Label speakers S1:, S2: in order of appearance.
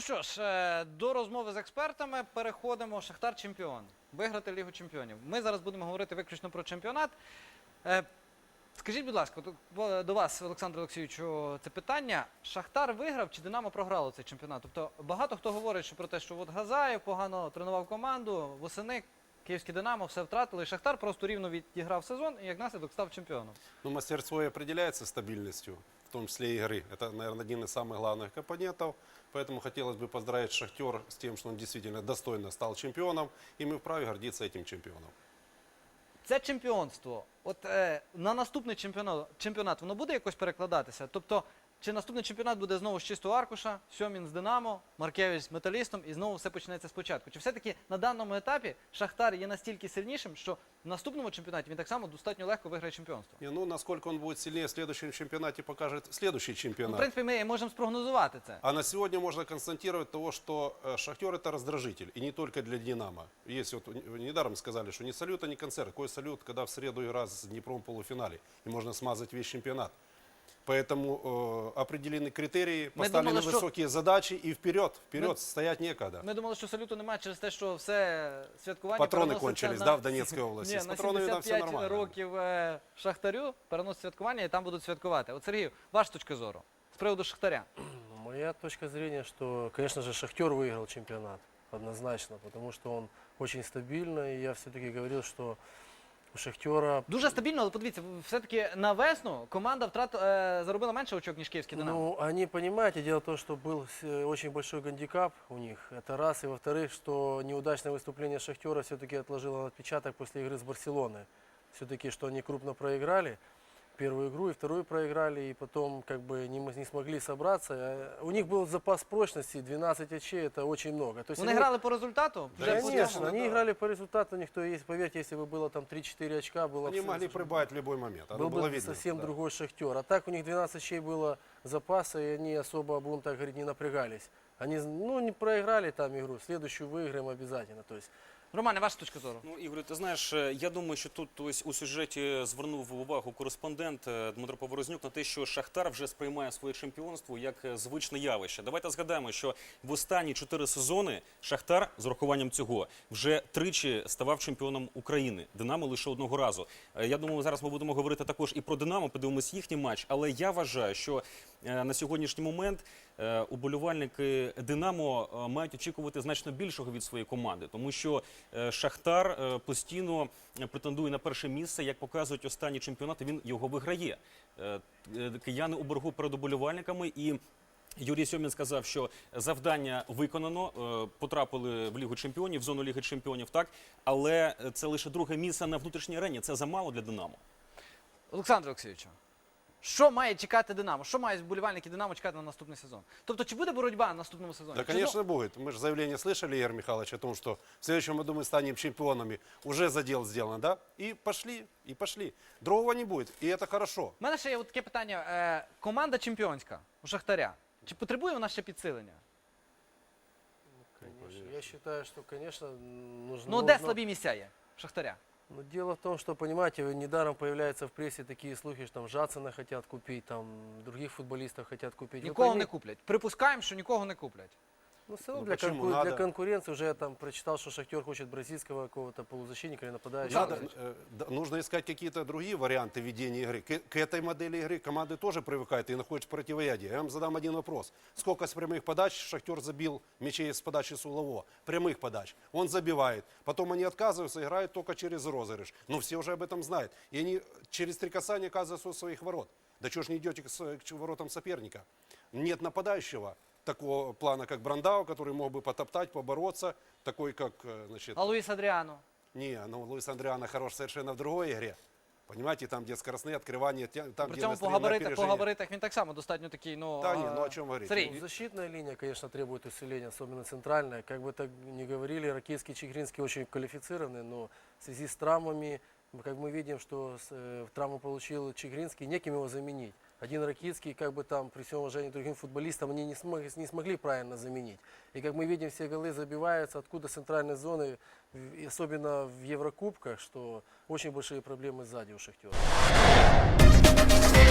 S1: що ж, до розмови з експертами переходимо. Шахтар чемпіон. Виграти Лігу чемпіонів. Ми зараз будемо говорити виключно про чемпіонат. Скажіть, будь ласка, до вас, Олександр Олексійовичу, це питання. Шахтар виграв чи Динамо програло цей чемпіонат? Тобто багато хто говорить що про те, що от Газаєв погано тренував команду, восени Київське Динамо все втратили. Шахтар просто рівно відіграв сезон і як наслідок став чемпіоном.
S2: Ну, мастерство и определяется стабильностью, в том числе и игры. Это, наверное, один из самых главных компонентов. Поэтому хотелось бы поздравить «Шахтер» с тем, что он действительно достойно стал чемпионом. И мы вправе гордиться этим чемпионом.
S1: Це чемпіонство, от на наступний чемпіонат воно буде якось перекладатися? Тобто, чи наступний чемпіонат буде знову з чистого аркуша, Сьомін з Динамо, Маркевич з Металістом і знову все почнеться спочатку? Чи все-таки на даному етапі Шахтар є настільки сильнішим, що в наступному чемпіонаті він так само достатньо легко виграє чемпіонство?
S2: Ну, насколько он будет сильнее в следующем чемпионате, покажет следующий чемпионат.
S1: В принципі, ми можемо спрогнозувати це.
S2: А на сегодня можно констатировать того, что «Шахтер» — это раздражитель. И не только для «Динамо». Есть вот, недаром сказали, что ни салют, а ни концерт. Какой салют, когда в среду игра с Днепром в полуфинале. И можно смазать весь чемпионат. Поэтому определены критерии, поставлены высокие задачи и вперед, стоять некогда.
S1: Ми думали, що салюту немає через те, що все святкування
S2: Патроны кончились, да, в Донецкой области.
S1: Ні,
S2: С
S1: на
S2: патронами там все
S1: 75
S2: нормально.
S1: років Шахтарю переносять святкування і там будуть святкувати. От, Сергій, ваша точка зору з приводу Шахтаря?
S3: Моя точка зрения, что, конечно же, «Шахтер» выиграл чемпионат, однозначно, потому что он очень стабильный, и я все-таки говорил, что у «Шахтера».
S1: Дуже стабільно, але подивіться, все-таки на весну команда заробила менше очок, ніж Київський Динамо.
S3: Ну, они, понимаете, дело в том, что был очень большой гандикап у них, это раз, и во-вторых, что неудачное выступление «Шахтера» все-таки отложило отпечаток после игры с «Барселоной». Все-таки, что они крупно проиграли первую игру и вторую проиграли, и потом как бы не смогли собраться. У них был запас прочности, 12 очей, это очень много. То есть
S1: Вони грали по результату?
S2: Да,
S3: Конечно, они играли по результату, никто есть, поверьте, если бы было там 3-4 очка, было
S2: Они
S3: бы
S2: могли прибавить в любой момент.
S3: был
S2: Было
S3: бы
S2: видно.
S3: совсем
S2: Да.
S3: другой «Шахтер». А так у них 12 очей было запаса, и они особо, будем так говорить, не напрягались. Они, не проиграли там игру, следующую выиграем обязательно. То есть,
S1: Романе, ваша точка зору?
S4: Ну, Ігор, ти знаєш, я думаю, що тут ось у сюжеті звернув увагу кореспондент Дмитро Поворознюк на те, що Шахтар вже сприймає своє чемпіонство як звичне явище. Давайте згадаємо, що в останні 4 сезони Шахтар, з урахуванням цього, вже тричі ставав чемпіоном України. Динамо лише одного разу. Я думаю, зараз ми будемо говорити також і про Динамо, подивимось їхній матч. Але я вважаю, що на сьогоднішній момент уболівальники Динамо мають очікувати значно більшого від своєї команди, тому що Шахтар постійно претендує на перше місце, як показують останні чемпіонати, він його виграє. Кияни у боргу перед уболівальниками, і Юрій Сьомін сказав, що завдання виконано, потрапили в Лігу чемпіонів, в зону Ліги чемпіонів, так, але це лише друге місце на внутрішній арені, це замало для Динамо.
S1: Олександр Олексійович, що має чекати Динамо? Що мають вболівальники Динамо чекати на наступний сезон? Тобто, чи буде боротьба на наступному сезоні?
S2: Да, конечно, будет. Мы же заявление слышали, Игорь Михайлович, о том, что в следующем году мы станем чемпионами. Уже задел сделан, да? И пошли, и пошли. Другого не будет, и это хорошо.
S1: У мене ще є таке питання. Команда чемпіонська у Шахтаря. Чи потребує вона ще підсилення?
S3: конечно, я считаю, что, конечно, нужно...
S1: Ну, де слабі місця є в Шахтаря?
S3: Но дело в том, что, понимаете, недаром появляются в прессе такие слухи, что там Жацина хотят купить, там других футболистов хотят купить.
S1: Нікого не куплять. Припускаємо, що нікого не куплять.
S3: Ну, все равно
S2: Ну,
S3: для,
S2: почему? Надо.
S3: для конкуренции уже я там прочитал, что «Шахтер» хочет бразильского какого-то полузащитника или нападающего.
S2: Надо, нужно искать какие-то другие варианты ведения игры. К этой модели игры команды тоже привыкают и находят противоядие. Я вам задам один вопрос. Сколько с прямых подач Шахтер забил мячей с подачи Сулового? Прямых подач. Он забивает. Потом они отказываются, играют только через розыгрыш. Но все уже об этом знают. И они через 3 касания оказываются у своих ворот. Да чего ж не идете к воротам соперника? Нет нападающего такого плана, как Брандау, который мог бы потоптать, побороться. Такой, как, значит...
S1: А Луїс Адріано?
S2: Не, ну Луис Андриано хорош совершенно в другой игре. Понимаете, там, где скоростные открывания, там,
S1: При
S2: где
S1: цьому по
S2: опережение.
S1: габаритах він так само достатньо такий, ну...
S2: Да, не, ну о чем говорить?
S1: Сергій,
S3: Ну, защитная линия, конечно, требует усиления, особенно центральная. Как бы так ни говорили, Ракитский, Чигринский очень квалифицированы, но в связи с травмами, как мы видим, что травму получил Чигринский, неким его заменить. Один Ракитский, как бы там, при всем уважении к другим футболистам, они не смогли правильно заменить. И как мы видим, все голы забиваются, откуда центральной зоны, и особенно в Еврокубках, что очень большие проблемы сзади у «Шахтера».